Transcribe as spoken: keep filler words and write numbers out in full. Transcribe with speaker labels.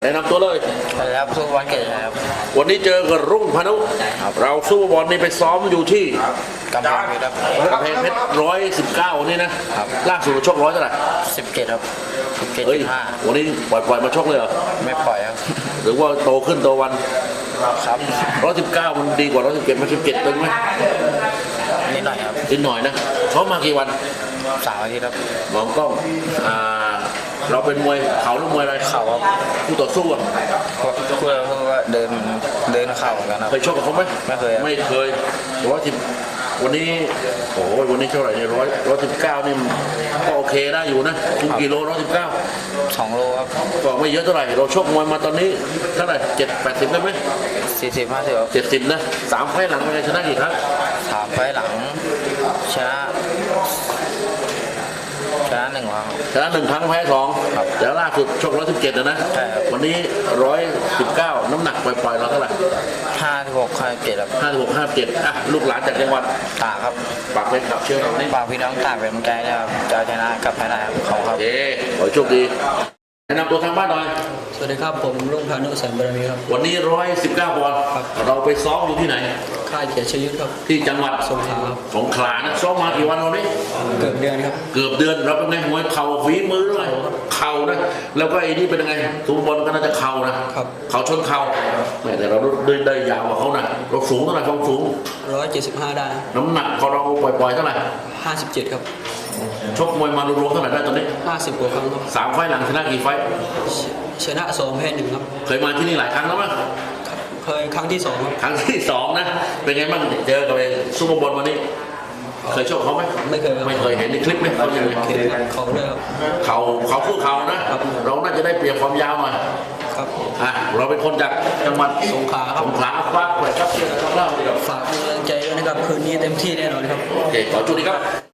Speaker 1: แนะนำตัวเลย
Speaker 2: สวัสดีครับสู้วันเกตครับ
Speaker 1: วันนี้เจอกับรุ่งพานุเราสู้บอลนี่ไปซ้อมอยู่ที่
Speaker 2: กำแพงเพชรครับ
Speaker 1: กำแพงเพชรร้อยสิบเก้าวันนี้นะล่าสุดชกร้อยเท่าไหร่
Speaker 2: สิบเจ็ดครับสิบเจ็ด
Speaker 1: เฮ้ย
Speaker 2: สิบห้า
Speaker 1: วันนี้ปล่อยปล่อยมาชกเลยเหรอ
Speaker 2: ไม่ปล่อยครับ
Speaker 1: หรือว่าโตขึ้นโตวัน
Speaker 2: ครับ
Speaker 1: ร้อยสิบเก้ามันดีกว่าร้อยสิบเจ็ดมันสิบเจ็ดตึงไหม
Speaker 2: นิดหน่อยครับ
Speaker 1: นิดหน่อยนะเขามากี่วัน
Speaker 2: สามอาทิตย์ครับ
Speaker 1: มองกล้องอ่าเราเป็นมวยเขาหรือมวยอะไร
Speaker 2: เข่าครับ
Speaker 1: คู่ต่อสู้อ่ะ
Speaker 2: คู่เราก็เดินเดินเข่าเหมือนกันครับ
Speaker 1: เคยชกกับเขาไหม
Speaker 2: ไม่เคย
Speaker 1: ไม่เคยร้อยสิบวันนี้โอ้ยวันนี้เท่าไหร่เนี่ยร้อยร้อยสิบเก้านี่ก็โอเคได้อยู่นะคุมกิโลร้อยสิบเก้า
Speaker 2: สองโลครับ
Speaker 1: ก็ไม่เยอะเท่าไหร่เราชกมวยมาตอนนี้เท่าไหร่เจ็ดแปดสิบได้ไหม
Speaker 2: สี่สิบห้าสิบ
Speaker 1: เจ็ดสิบนะสามไฟหลังเป็นไงชนะกี่ครั้ง
Speaker 2: สามไฟหลังชนะชนะหนึ่งครั้ง
Speaker 1: ชนะหนึ่งครั้งแพ้สองแล้วล่าสุดชกร้อยสิบเจ็ดนะ
Speaker 2: ใช่ครับ
Speaker 1: วันนี้ร้อยสิบเก้าน้ำหนักปล่อยๆเราเท่าไหร่
Speaker 2: ห้าสิบหกห้าสิบเจ็ดครับ
Speaker 1: ห้าสิบหกห้าสิบเจ็ดอ่ะลูกหลานจากจังหวัด
Speaker 2: ตากครับ
Speaker 1: ปากเป็นขับเชื่อเรา
Speaker 2: ฝากพี่น้องตากเป็นกำลังใจนะครับจะชนะกับแพ้ได้ครับขอบคุณครับ
Speaker 1: เย้ขอโชคดีแนะนำตัวทางบ้านหน่อย
Speaker 3: สวัสดีครับผมรุ่งพานุแสนบารมีครับ
Speaker 1: วันนี้ร้อยสิบเก้าปอนด์เราไปซ้อมอยู่ที่ไหน
Speaker 3: ค่ายเกียรติชยุทธครับ
Speaker 1: ที่จังหวัด
Speaker 3: สงขลาครับ
Speaker 1: สงขลานะซ้อมมากี่วันวันนี้
Speaker 3: เกือบเดือนครับ
Speaker 1: เกือบเดือนเราเป็นไงมวยเข่าฝีมือด้วยเข่านะแล้วก็ไอ้นี่เป็นยังไงทุกบอลก็น่าจะเข่านะครับเข่าชนเข่าแม้แต่เราได้ได้ยาวกว่าเขานะเราสูงเท่าไหร่ความสูง
Speaker 3: ร้อยเจ็ดสิบห้าได้
Speaker 1: น้ำหนักของเราปล่อยๆเท่าไหร่
Speaker 3: ห้าสิบเจ็ดครับ
Speaker 1: ชกมวยมารวมๆเท่าไหร่ได้ตอนนี้
Speaker 3: ห้าสิบกว่าครั้งครับ
Speaker 1: สามไฟหลังชนะกี่ไฟ
Speaker 3: ชนะสองแพ้หนึ่งครับ
Speaker 1: เคยมาที่นี่หลายครั้งแล้วมั้ย
Speaker 3: เคยครั้งที่สองครับ
Speaker 1: ครั้งที่สองนะเป็นไงบ้างเจอกับไอ้ซูเปอร์บอลวันนี้เคยชกเขาไหม
Speaker 3: ไม่เคย
Speaker 1: ไม่เคยเห็นในคลิปไหมเขาอย่างไร
Speaker 3: เขาเลยครับ
Speaker 1: เขาเขาคู่เขานะเราน่าจะได้เปรียบความยาวหน่อย
Speaker 3: ครับ
Speaker 1: อ่ะเราเป็นคนจากจังหวัด
Speaker 3: สงขลา
Speaker 1: สงขลาคว้าแขวนครับเชียร์นะครับเล่าดีครับ
Speaker 3: ฝากกำลังใจด้วยนะครับคืนนี้เต็มที่แน่นอนครับ
Speaker 1: โอเคขอจุดนี้ครับ